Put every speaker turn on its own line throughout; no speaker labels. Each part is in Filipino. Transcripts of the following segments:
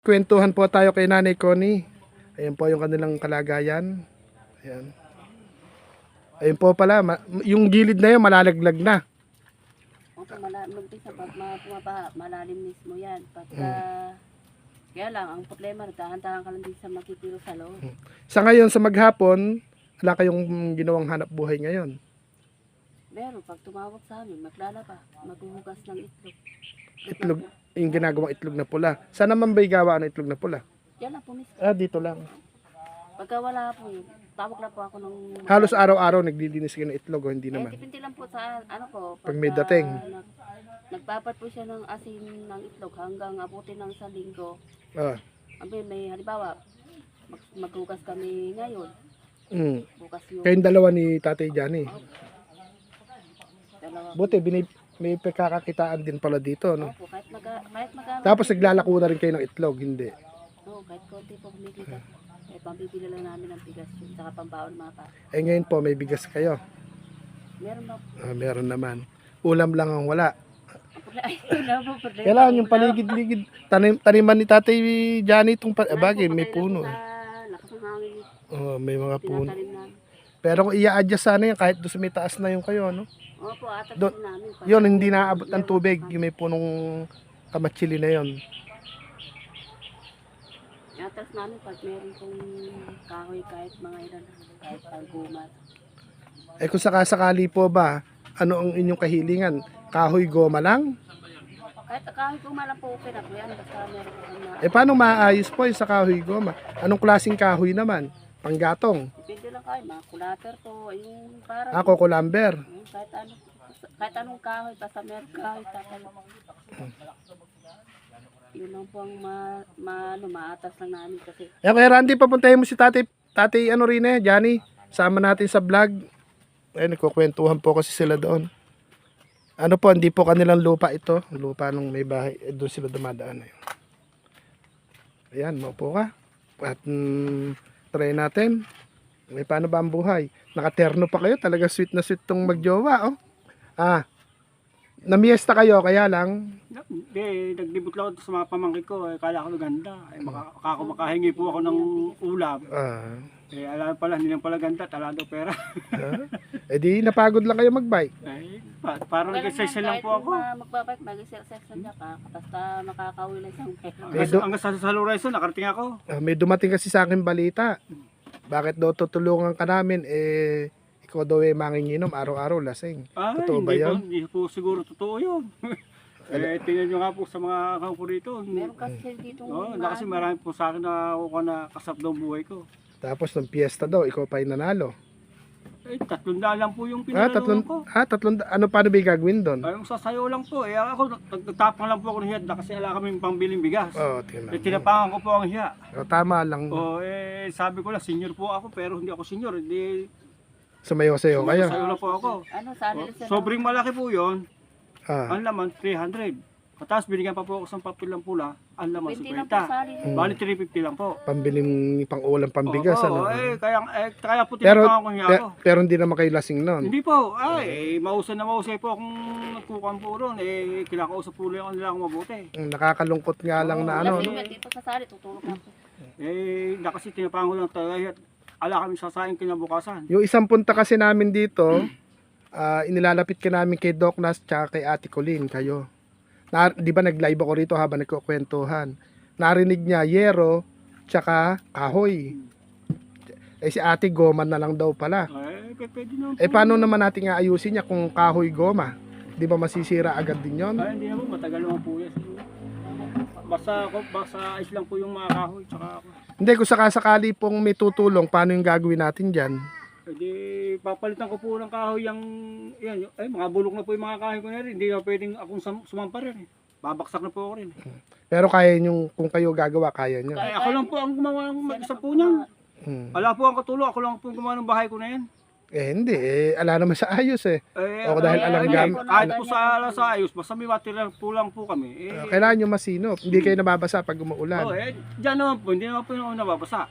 Kwentuhan po tayo kay Nanay Connie. Ayan po yung kanilang kalagayan. Ayan. Ayun po pala, yung gilid na yun malalaglag na.
Opo, mag-isa pag pumabaha, malalim mismo yan. Pagka, kaya lang, ang problema, nagtahan-tahan ka lang din sa makitiro sa loob.
Sa ngayon, sa maghapon, wala kayong ginawang hanap buhay ngayon.
Pero pag tumawag sa amin, maglalaba, maghuhugas ng itlog.
Itlog, yung ginagawang itlog na pula. Saan naman ba'y gawa ng itlog na pula?
Yan lang po mismo.
Dito lang.
Pagka wala po yun, tawag lang po ako ng...
Halos araw-araw naglilinis kayo ng itlog o hindi naman?
depende lang po sa ano po.
Pag may dating.
Nagpapat po siya ng asin ng itlog hanggang abutin ng isang linggo.
Ah.
May halimbawa, maghugas kami ngayon. Bukas yung...
Kayong dalawa ni Tatay Johnny.
Dalawa.
Buti, may pagkakakitaan din pala dito, no?
Opo, kahit magkano.
Tapos naglalako na rin kayo ng itlog, hindi?
Oo, kahit konti po kumikita. Eh, pambibili lang namin ng bigas yun, saka pambaon mga pa.
Ngayon po, may bigas kayo.
Meron ba?
Meron naman. Ulam lang ang wala.
Ay, wala po problema.
Kailangan yung paligid-ligid. Taniman ni Tatay Johnny itong bagay, may puno.
Lakas ng hangin.
May mga puno.
Tinatanim namin.
Pero kung i-adjust sana yan, kahit doon sa may taas na yung kayo, no?
Opo, atas
Doon,
din namin.
yun, hindi naabot ng tubig. Yung may punong kamatsili na yon.
Atas namin pag meron pong kahoy kahit mga ilan, kahit paggumas.
Kung sakasakali po ba, ano ang inyong kahilingan? Kahoy goma lang?
Kahit kahoy gumalang po okay na po yan, basta meron po na...
Paano maayos po yung sa kahoy goma? Anong klaseng kahoy naman? Panggatong?
Depende lang kayo, mga kulater po, yung parang...
Ako, kulamber.
Kahit anong kahoy, basta meron kahoy, tatanong. Yun lang po ang maatas lang namin kasi.
Kaya Randy, papuntahin mo si Tatay ano rin Johnny. Sama natin sa vlog. Nagkukwentuhan po kasi sila doon. Ano po, hindi po kanilang lupa ito. Lupa nung may bahay. Doon sila dumadaan. Ayan, maupo ka. At try natin. May paano ba ang buhay? Nakaterno pa kayo. Talaga sweet na sweet tong magjowa. Namiesta kayo, kaya lang.
Hindi, naglibot lang ako sa mga pamangkin ko. Kala ko ganda. Makahingi po ako ng ulam. Alam pala, hindi lang pala ganda. Tala daw pera.
Di napagod lang kayo magbike.
Parang nag-exercise lang po ako.
Magbabike, mag-exercise lang ka. Basta makakauwi lang isang pera.
Hanggang sa Lorenzo, nakarating ako.
May dumating kasi sa akin balita. Bakit daw tutulungan ka namin? Ikaw daw manginginom araw-araw lasing. Totoo ba yan?
Hindi po siguro totoo yun. Tingnan nyo nga po sa mga kampo dito.
Meron kasi dito.
Kasi marami po sa akin na kasap daw buhay ko.
Tapos ng piyesta daw, ikaw pa yung nanalo.
300 lang po yung pinanalunan ko.
300. Ano paano ba yung gagawin doon?
Yung sasayo lang po. Ako, nagtapang lang po ako ng hiya kasi wala kaming pambiling bigas. Tinapangan ko po ang hiya.
Tama lang.
Sabi ko lang, senior po ako pero hindi ako senior. Hindi.
Sumayo-sayo kayo.
Sumayo lang po ako. Sobrang malaki po yun. Ang laman, 300. Tapos binigyan pa po ako sa papel ng pula. Ang laman, 50. Bali, 350 lang po.
Pambiling pang-ulam, pambigas.
Kaya po tinapangan ko niya ako.
Pero hindi naman kayo lasing noon.
Hindi po. Mausay na mausay po akong nagkukan po ron. Kinakausap po lang nila akong mabuti.
Nakakalungkot nga lang na ano.
Dito sa sali, tutulog ako.
Kasi tinapangan ko lang talaga. Ala kami sasaing kinabukasan.
Yung isang punta kasi namin dito, inilalapit ka namin kay Doc Nas tsaka kay Ate Colleen, kayo. Di ba nag-live ako rito habang nagkukwentuhan. Narinig niya yero tsaka kahoy. Si Ate goma na lang daw pala.
Pwede naman po.
Paano naman natin aayusin niya kung kahoy goma? Di ba masisira agad din yon?
Hindi naman, matagal naman po yan. Basta ayos lang po yung mga kahoy tsaka ako.
Hindi, kung sakasakali pong may tutulong, paano yung gagawin natin dyan?
Papalitan ko po ng kahoy yan, mga bulok na po yung mga kahoy ko na rin. Hindi na pwedeng akong sumampa rin. Babaksak na po ako rin.
Pero kaya nyo, kung kayo gagawa, kaya nyo.
Ako lang po ang gumawa ng mag-isa po niyan. Wala po ang katulong, ako lang po gumawa ng bahay ko na yan.
Hindi, ala naman sa ayos O dahil alam gamit.
Kahit po sa ayos, basta may material po lang po kami.
Kailangan nyo masinop. Hindi kayo nababasa pag umuulan.
Diyan naman po, hindi naman po yung nababasa.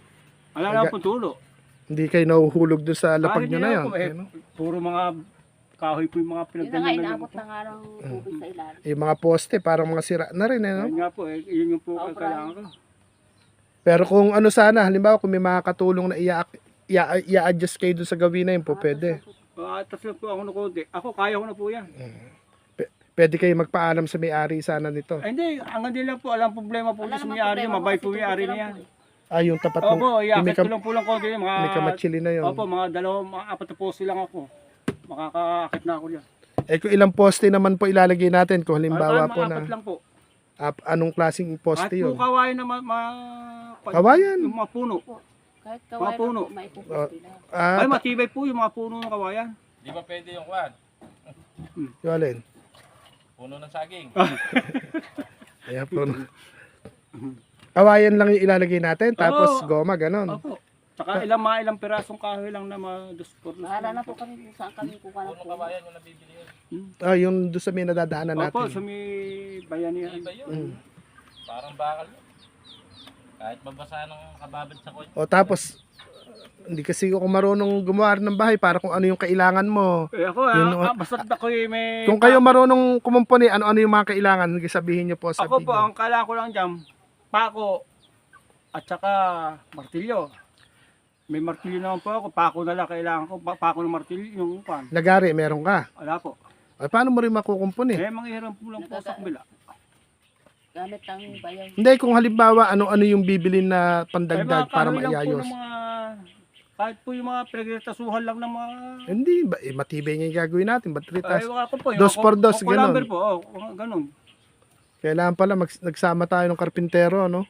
Wala naman po tulo.
Hindi kayo nahuhulog doon sa lapag nyo na yun.
Puro mga kahoy po yung mga
Yun na nga,
pinagdala
inaabot na nga ng tubig sa ilalim.
Yung mga poste, parang mga sira na rin, eh, no?
Ayun nga po, yun yung po
Oo,
kailangan ko.
Pero kung ano sana, halimbawa kung may makakatulong na i-adjust kayo dun sa gawin na yun po, pwede.
Tapos lang po ako na konti. Ako, kaya ko na po yan.
Pwede kayo magpaalam sa may-ari sana nito.
Ay, hindi, ang hindi lang po, alam problema po sa may-ari, mabait po may-ari na yan.
Ah, yung tapat mo.
Opo,
yung
iakit ko lang po lang konti.
may kamatsili na yun.
Opo, mga apat na poste lang ako. Makakaakit na ako yan.
Eh kung ilang poste naman po ilalagay natin kung halimbawa po
Apat
na
lang po.
anong klaseng
At
poste
po
yun?
kawayan na
Kawayan?
Yung mga puno.
Kahit
Mga
kawain
puno.
lang po, maipupos nila.
Ay, matibay po yung mga puno ng kawayan.
Di ba pwede yung kwan?
Yung alin?
Puno ng saging.
Ayan po. Kawayan lang yung ilalagay natin, tapos
Oo.
goma, ganon.
Opo. Tsaka ilang pirasong kahoy lang na ma-duspor.
Bahala na po kami kung saan kami kukuha ng
Puno
puno.
kabayan yung nabibili yun.
Yung doon sa may nadadaanan
Opo,
natin.
sa may bayanihan.
Iba yun. Parang bakal yun. Kahit mabasa ng kababad sa kotse.
O tapos, hindi kasi ako marunong gumawa ng bahay para kung ano yung kailangan mo.
Eh ako, basta ako may...
Kung kayo marunong kumumpuni, ano-ano yung mga kailangan, sige sabihin nyo po sa
Ako po,
video.
ang kailangan ko lang dyan, pako, at saka martilyo. May martilyo naman po ako, pako na lang kailangan ko, pako ng martilyo, yung pan.
Lagari, meron ka.
Wala po.
Ay, paano mo rin makukumpuni?
Manghiram po lang po sa kabila.
Gamit ang bayaw.
Hindi, kung halimbawa, ano-ano yung bibilin na pandagdag para
kahoy lang po
maiayos.
ng mga, kahit po yung mga pinagtasuhan lang ng mga...
Hindi, matibay nga yung gagawin natin. Ba't
Ay, wala ko po.
Dos por dos,
ganun.
ganun.
Po, ganun.
Kailangan pala nagsama tayo ng karpintero, no?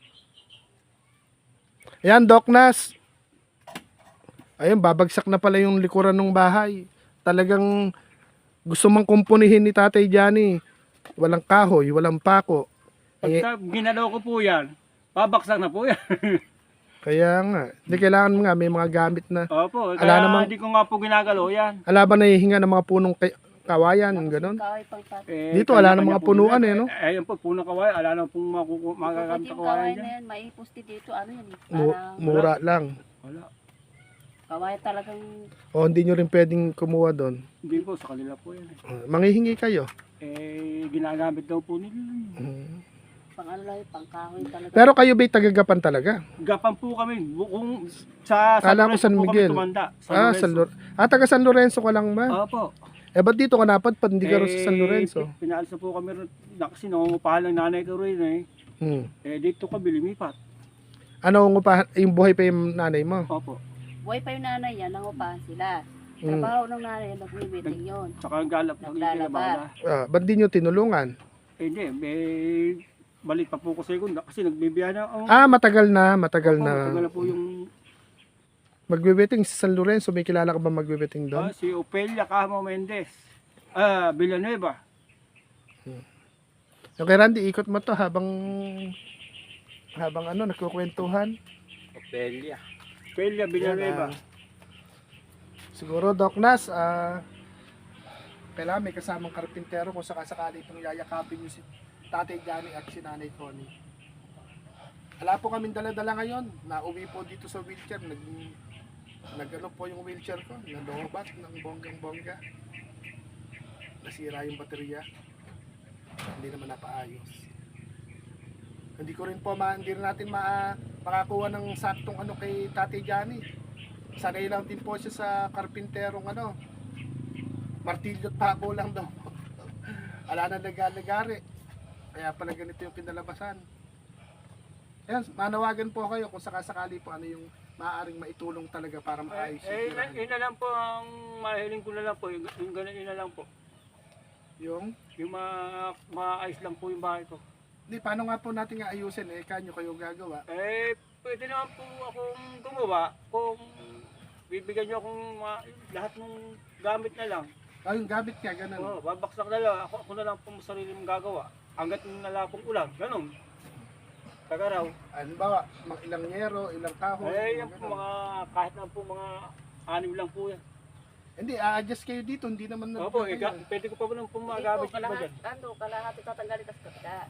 Ayan, Doc Nas. Ayun, babagsak na pala yung likuran ng bahay. Talagang gusto mang kumpunihin ni Tatay Johnny. Walang kahoy, walang pako.
Pagka ginalaw ko po yan, babaksak na po yan.
Kaya nga, hindi kailangan nga may mga gamit na.
Opo,
Ala
kaya
namang-
hindi ko nga po ginagalaw yan.
Ala ba nahihinga ng mga punong kawayan, gano'n?
Kahoy pang pati.
Dito, wala
kanya-kanya
nang mga
po
punuan
yan.
eh, no?
Ayun po, puno kawayan. Ala na pong magagamit
Pati
na
yung
kawayan
kawain
dyan.
na yan, maiposti dito, ano yan eh.
Mu-
Parang
mura lang.
Wala.
kawain talagang
O hindi nyo rin pwedeng kumuha doon.
Hindi po, sa kanila po yan.
Manghihingi kayo.
Ginagamit daw po nila.
pang ano lang, pang kahoy talaga.
Pero kayo ba'y tagagapan talaga?
Gapan po kami. Kung sa
Kala ko
Lorenzo
San
po
Miguel.
kami tumanda.
Taga San Lorenzo ka lang ba?
Opo.
Eh, ba't dito ka napadpad? Hindi ka rin sa San Lorenzo.
Pinaalis na po kami rin. Kasi nangungupahan ng nanay ko rin eh. Dito kami lumipat.
Ano ang yung buhay pa yung nanay mo?
Opo.
Buhay pa yung nanay yan, nangupahan sila. Trabaho ng nanay yan, nag-meeting yun.
Tsaka ang galap ng
Naglalaba.
Ba't di nyo tinulungan?
Hindi, balik pa po ko sa segunda kasi nagbibiyahe na ako.
Matagal na.
Matagal na po yung
Magbe-betting sa San Lorenzo. May kilala ka ba magbe-betting doon?
si Opelia Camo Mendez. Villanueva.
Okay, Randy, ikot mo to habang nagkukwentuhan.
Opelia.
Opelia Villanueva.
Siguro, Doc Nas, kailangan may kasamang karpintero kung sakasakali itong yayakapin yung si Tatay Johnny at si Nanay Connie. Wala po kaming dala-dala ngayon. Nauwi po dito sa wheelchair. Nag-ano po yung wheelchair ko. Nalobat ng bonggang-bongga. Nasira yung baterya. Hindi naman napaayos. Hindi rin natin makakuha ng saktong kay Tatay Johnny. Sanay lang din po siya sa karpinterong martilyo at pako lang daw. Ala na nagari. Kaya pala ganito yung pinalabasan. Ayan, manawagan po kayo kung sakasakali po ano yung maaaring maitulong talaga para maayos yung tirahan.
Yun na lang po ang mahiling ko na lang po. Yung ganun yun na lang po.
Yung
maayos lang po yung bahay ko.
Hindi, paano nga po natin ayusin kanyo kayo gagawa?
Pwede naman po akong gumawa kung bibigyan nyo akong lahat ng gamit na lang.
Yung gamit ka, ganun.
Babaksak na lang. Ako na lang po sarili mong gagawa. Hanggat nala pong ulam. Ganun. Tagaraw.
Ano ba, ilang yero, ilang kahoy?
Yan po kahit na po mga 6 lang po yan.
Hindi, a-adjust kayo dito, hindi naman
Opo, pwede ko pa ba nang pumagamit yung ba dyan?
Kalahati tatanggalin tas kapila.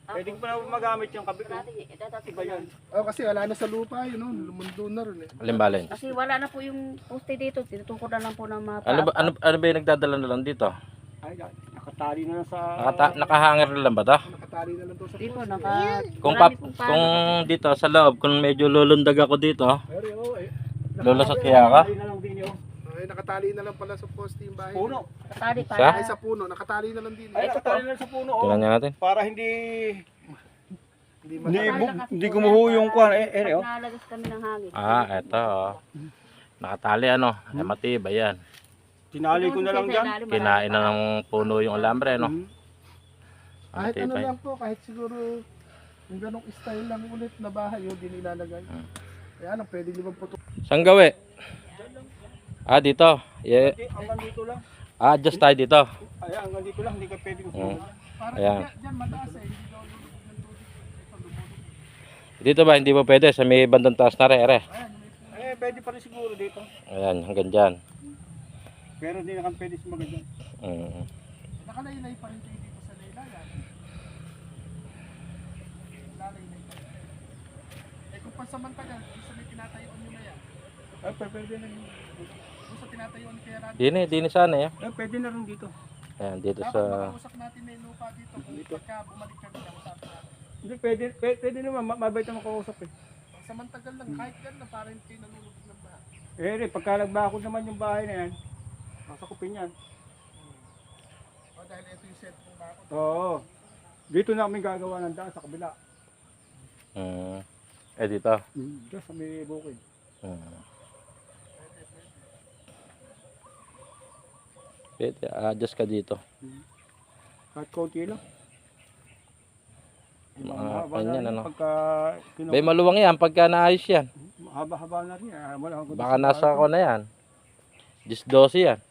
Pwede ko pa na magamit yung kabit.
Iba
yan.
Kasi wala na sa lupa yun, no? Lumundo na rin eh.
Alin-balin.
Kasi wala na po yung poste dito. Tinutukod na lang po ng mga
Ano ba yung nagdadala na lang dito?
Ay, nakatali na lang sa...
Nakahanger na lang ba to?
Nakatali na lang to sa
Dito,
poste.
Kung dito sa loob, kung medyo lulundag ako dito,
Pero eh.
lulusot kaya ka?
Nakatali na lang din yun.
Ay, nakatali na lang pala sa poste yung bahay.
Puno.
Katali
Sa?
para.
Ay, sa puno, nakatali na lang din.
Ay, nakatali na lang sa puno.
Tingnan niya natin.
Para hindi...
Hindi
Hindi,
matali.
hindi gumuho yung kwan. Oh.
Nalagas kami ng hangin.
Eto. Nakatali ano, matibay yan.
Tinali ko na lang dyan.
Kinain na ng puno yung alambre, no?
Kahit ano
Matibay.
lang po, kahit siguro yung ganong style lang ulit na bahay yun, din ilalagay. Kaya lang, pwede nyo bang puto.
Saan gawi? Dito. Yeah.
Hanggang dito lang.
Just tayo dito.
Ay, hanggang dito lang. Hindi ka pwedeng
Parang
Ayan.
dyan mataas eh, hindi daw lulubog ng tubig.
Dito ba, hindi ba pwede? Sa may bandang taas na ere.
Eh, pwede pa rin siguro dito.
Ayan, hanggang dyan.
Pero hindi na kami pwede sumagal dyan.
Nakalaylay pa rin kayo dito sa laylayan. Lalaylay pa rin. Eh kung pansamantagal, isa may tinatayuan nyo na yan.
Ay, pwede na rin.
Kung sa tinatayuan kaya natin,
Dini sana eh.
Eh, pwede na rin dito.
Ayan, dito
dapat
sa...
makausap natin na yung lupa dito. Kung pagka bumalik kami na usapan natin.
Hindi, pwede naman. Mabait na makausap eh.
Pagsamantagal lang, kahit yan na parang kayo nalulubog ng bahay.
Eh, pagka nagbakod naman yung bahay na yan, masakupin yan.
O dahil ito yung set ng bakod.
Oo. Dito na kami gagawa ng daan sa kabila.
Dito.
Dito sa may bukid.
Pwede, adjust ka dito.
Kahit konti lang.
Mga ganyan, ano.
Pagka
Bay, maluwang yan pagka naayos yan.
haba-haba na rin. Wala akong
Baka nasa ako na yan. 10-12 yan.